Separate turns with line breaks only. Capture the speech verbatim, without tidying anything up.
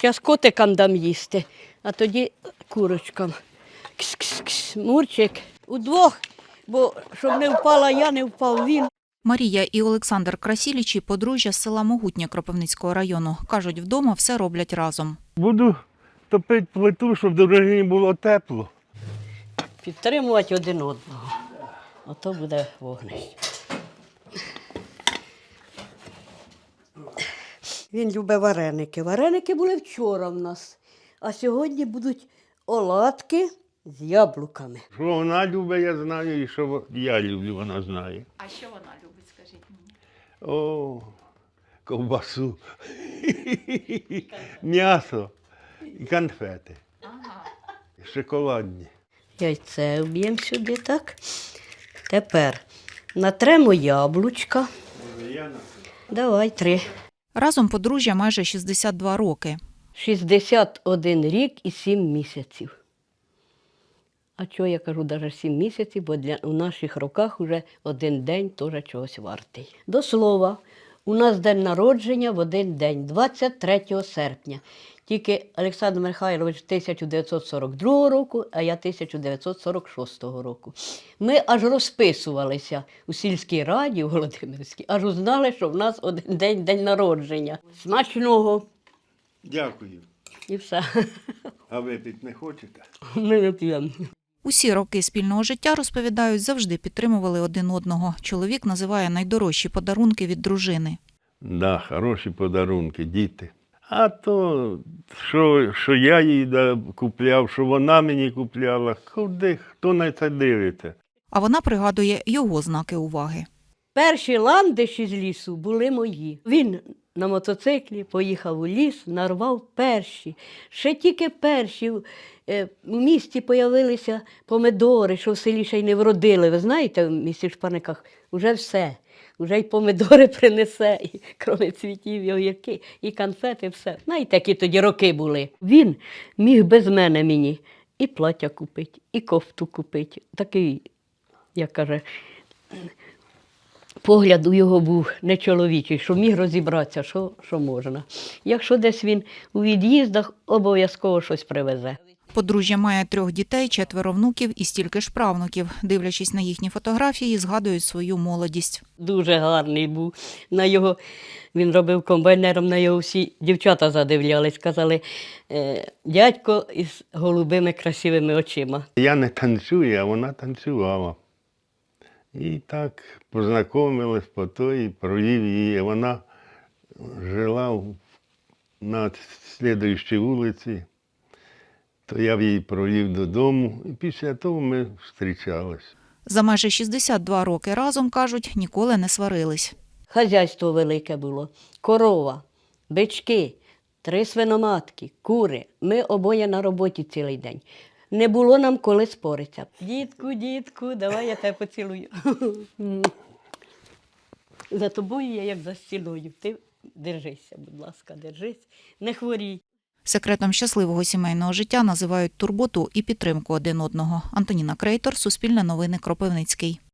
Зараз котикам дам їсти, а тоді курочкам. Кс-кс-кс, Мурчик. Удвох, бо щоб не впала я, не впав він.
Марія і Олександр Красілічі – подружжя з села Могутнє Кропивницького району. Кажуть, вдома все роблять разом.
Буду топити плиту, щоб до дружини було тепло.
Підтримувати один одного. Ото буде вогнище. Він любить вареники. Вареники були вчора в нас, а сьогодні будуть оладки з яблуками.
Що вона любить, я знаю, і що я люблю, вона знає.
А що вона любить, скажіть мені?
О, ковбасу, м'ясо і конфети.
Ага.
Шоколадні.
Яйце вб'ємо сюди, так. Тепер натремо яблучка. Давай, три.
Разом подружжя майже шістдесят два роки.
шістдесят один рік і сім місяців. А чого я кажу навіть сім місяців, бо для, у наших роках вже один день теж чогось вартий. До слова, у нас день народження в один день, двадцять третього серпня. Тільки Олександр Михайлович тисяча дев'ятсот сорок другого року, а я тисяча дев'ятсот сорок шостого року. Ми аж розписувалися у сільській раді, у Володимирській, аж узнали, що в нас один день день народження. Смачного.
Дякую.
І все.
А випити не хочете?
Ми не п'ємо.
Усі роки спільного життя, розповідають, завжди підтримували один одного. Чоловік називає найдорожчі подарунки від дружини.
Да, хороші подарунки, діти. А то, що, що я їй да, купляв, що вона мені купляла, куди, хто на це дивиться?
А вона пригадує його знаки уваги.
Перші ландиші з лісу були мої. Він на мотоциклі поїхав у ліс, нарвав перші. Ще тільки перші. Е, У місті з'явилися помидори, що в селі ще й не вродили. Ви знаєте, в місті Шпаниках вже все. Вже й помидори принесе, і крім цвітів, і огірки, і конфети, все. Знаєте, які тоді роки були. Він міг без мене мені і плаття купити, і кофту купити. Такий, як каже, погляд у його був не чоловічий, що міг розібратися, що, що можна. Якщо десь він у від'їздах, обов'язково щось привезе.
Подружжя має трьох дітей, четверо внуків і стільки ж правнуків. Дивлячись на їхні фотографії, згадують свою молодість.
Дуже гарний був. На його, він робив комбайнером, на його всі дівчата задивлялись, казали, е, дядько із голубими красивими очима.
Я не танцюю, а вона танцювала. І так познайомились по той, провів її. Вона жила в- на слідуючій вулиці, то я її провів додому, і після того ми зустрічались.
За майже шістдесят два роки разом, кажуть, ніколи не сварились.
Хазяйство велике було, корова, бички, три свиноматки, кури. Ми обоє на роботі цілий день. Не було нам коли споритися. Дітку, дітку, давай я тебе поцілую. За тобою я як за стіною. Ти держися, будь ласка, держись, не хворій.
Секретом щасливого сімейного життя називають турботу і підтримку один одного. Антоніна Крейтор, Суспільне новини, Кропивницький.